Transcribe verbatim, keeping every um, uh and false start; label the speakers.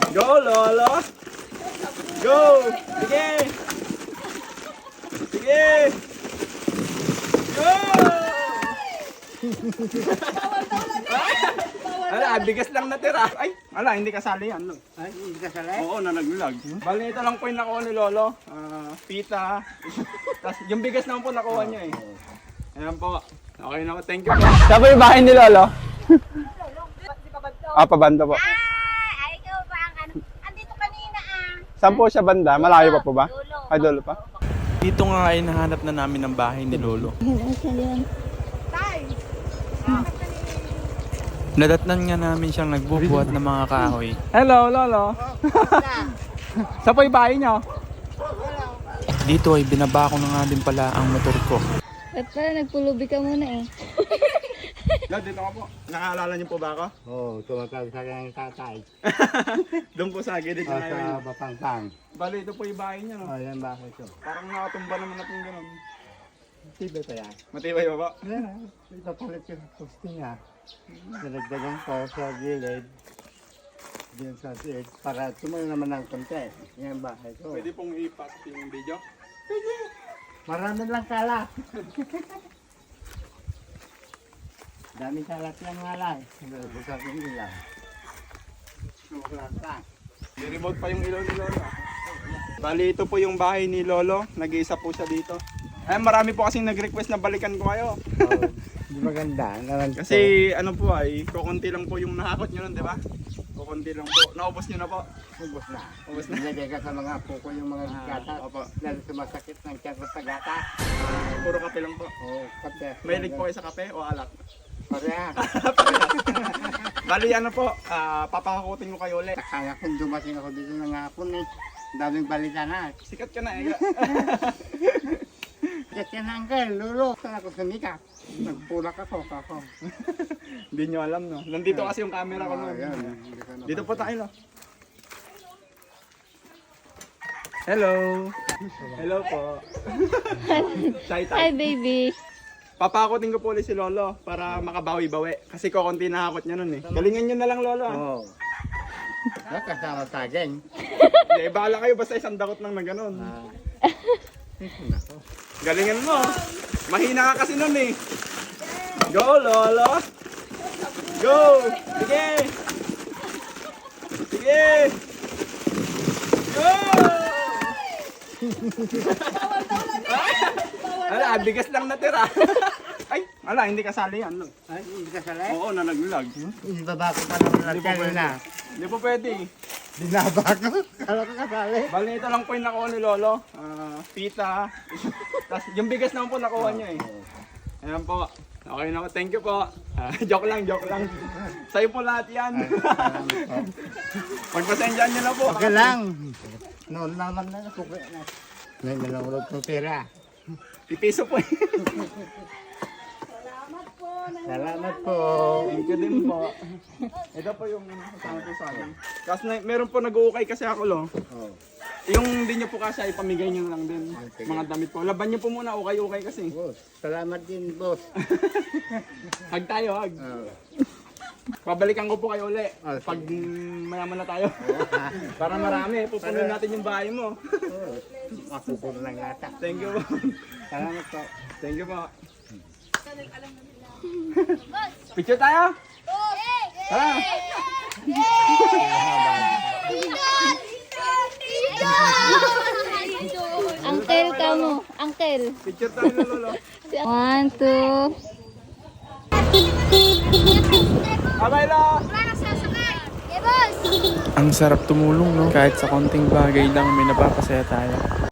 Speaker 1: Go, Lolo! Go! Sige! Sige! Go! Ala, bigas lang natira. Ay, ala, hindi kasali yan. No?
Speaker 2: Ay, hindi ka salay?
Speaker 1: Oo, nalaglag. Bali, ito lang po yung nakuha ni Lolo. Ah, pita. Tapos yung bigas naman po nakuha niya eh. Ayan po. Okay na po. Thank you po. Saan po yung bahay ni Lolo? Ah, pabanda po.
Speaker 3: Ah, ikaw ba ang ano? Andito kanina ah.
Speaker 1: Saan po siya banda? Malayo pa po ba?
Speaker 3: Dulo.
Speaker 1: Ay, dulo pa.
Speaker 4: Dito nga ay nahanap na namin ang bahay ni Lolo.
Speaker 3: Tay!
Speaker 4: Nadatnan nga namin siyang nagbubuhat ng mga kahoy.
Speaker 1: Hello, Lolo. Saan po yung bahay niyo?
Speaker 4: Dito ay binaba ko na nga din pala ang motor ko.
Speaker 5: Ba't pala nagpulubi ka muna eh?
Speaker 1: Lolo, dito ka po. Nakaalala niyo po ba ako?
Speaker 2: Oo, oh, tumatawag sa kanyang tatay.
Speaker 1: Doon po sa gilid
Speaker 2: O
Speaker 1: na
Speaker 2: sa
Speaker 1: yun.
Speaker 2: Bapangpang.
Speaker 1: Bali, ito po yung bahay niya.
Speaker 2: O,
Speaker 1: No?
Speaker 2: yan bakit ito?
Speaker 1: Parang nakatumba naman natin ganun.
Speaker 2: Tiba pa yan.
Speaker 1: Matibay ba po?
Speaker 2: Yan, ito palit yung posting ha. Nalagdagan ko sa gilid. Diyan sa gilid. Para tumayo naman ng konti. Yan bahay ko.
Speaker 1: Pwede pong ipas yung video.
Speaker 2: Marami lang kalat. Dami kalat lang nga lang. Bukas yung ilang. Bukas lang.
Speaker 1: May remote pa yung ilaw ni Lolo. Bali, ito po yung bahay ni Lolo. Nag-iisa po siya dito. Ay, marami po kasing nag-request na balikan ko kayo.
Speaker 2: Oh, di maganda. Nalang
Speaker 1: Kasi ano po ay, kukunti lang po yung nahakot nyo nun, di ba? Kukunti lang po. Naubos nyo na po.
Speaker 2: ubos na.
Speaker 1: Ubos na.
Speaker 2: Nilagay ka sa mga puko yung mga gata.
Speaker 1: Opo.
Speaker 2: Lalo sumasakit ng tiyan ko sa gata.
Speaker 1: Puro kape lang po.
Speaker 2: Oo, kape.
Speaker 1: Mahilig po kayo sa kape o alak?
Speaker 2: Pareha.
Speaker 1: Bali, ano po, ah, papakutin ko kayo ulit.
Speaker 2: Kaya kung dumating ako dito ng hapon eh. Daming balita na.
Speaker 1: Sikat ka na eh.
Speaker 2: Kasi na uncle, lulo. Saan ako sumikap? Nagpulak ako, kako.
Speaker 1: Hindi nyo alam, no? Nandito kasi yung camera ko
Speaker 2: Oh,
Speaker 1: nun.
Speaker 2: yan.
Speaker 1: Dito po tayo, no? Hello! Hello po. Shy
Speaker 5: Hi
Speaker 1: type.
Speaker 5: baby!
Speaker 1: Papakutin ko po ulit si Lolo para makabawi-bawi. Kasi kukunti na hakot niya nun eh. Galingan nyo na lang, Lolo. ah.
Speaker 2: Oo. Oh. Kasama sa akin.
Speaker 1: Hindi, bahala kayo basta isang dakot lang na ganun.
Speaker 2: Ah.
Speaker 1: Galingan mo. Mahina ka kasi nun eh. Go, Lolo. Go. Sige. Sige. Go. Ala, bigas lang natira. Ay, ala, hindi kasali yan. No?
Speaker 2: Ay, hindi ka salay?
Speaker 1: Oo, nalaglag.
Speaker 2: Ibaba ko pa naman
Speaker 1: Hindi
Speaker 2: lang
Speaker 1: po pwede.
Speaker 2: kanina.
Speaker 1: Hindi po pwede.
Speaker 2: Binaba ko. Kala ko kasali.
Speaker 1: Bali, ito lang po yung nakuha ni Lolo. Ah, pita. Tapos yung bigas naman po nakuha niya eh. Ayan po. Okay na po. Thank you po. Ah, joke lang, joke lang. Sa'yo po lahat yan. Pagpasensyaan niyo na po.
Speaker 2: Okay lang. Noon naman na suki na. May nalulog ng pera.
Speaker 1: Pipiso po eh.
Speaker 2: Salamat po.
Speaker 1: Thank you din po. Ito po yung kasama po sa akin. Kasi na, meron po nag-uukay kasi ako lo.
Speaker 2: Oh.
Speaker 1: Yung hindi nyo po kasi ipamigay nyo lang din. Mga damit po. Laban nyo po muna, ukay-ukay kasi.
Speaker 2: Boss, salamat din, boss.
Speaker 1: Hag tayo, hag.
Speaker 2: Oh.
Speaker 1: Pabalikan ko po kayo uli.
Speaker 2: Oh, sige.
Speaker 1: Pag mm, mayaman na tayo. Para marami, pupunin natin yung bahay mo.
Speaker 2: Oh. Mapupuno lang yata.
Speaker 1: Thank you po.
Speaker 2: Salamat po.
Speaker 1: Thank you po. Picture tayo? Tara!
Speaker 5: Uncle ka mo! Uncle!
Speaker 1: Picture tayo, Lolo.
Speaker 5: One, two...
Speaker 1: Abay la!
Speaker 3: Wala nang sasakay. Eh, boss!
Speaker 4: Ang sarap tumulong, no? Kahit sa konting bagay lang may napapasaya tayo.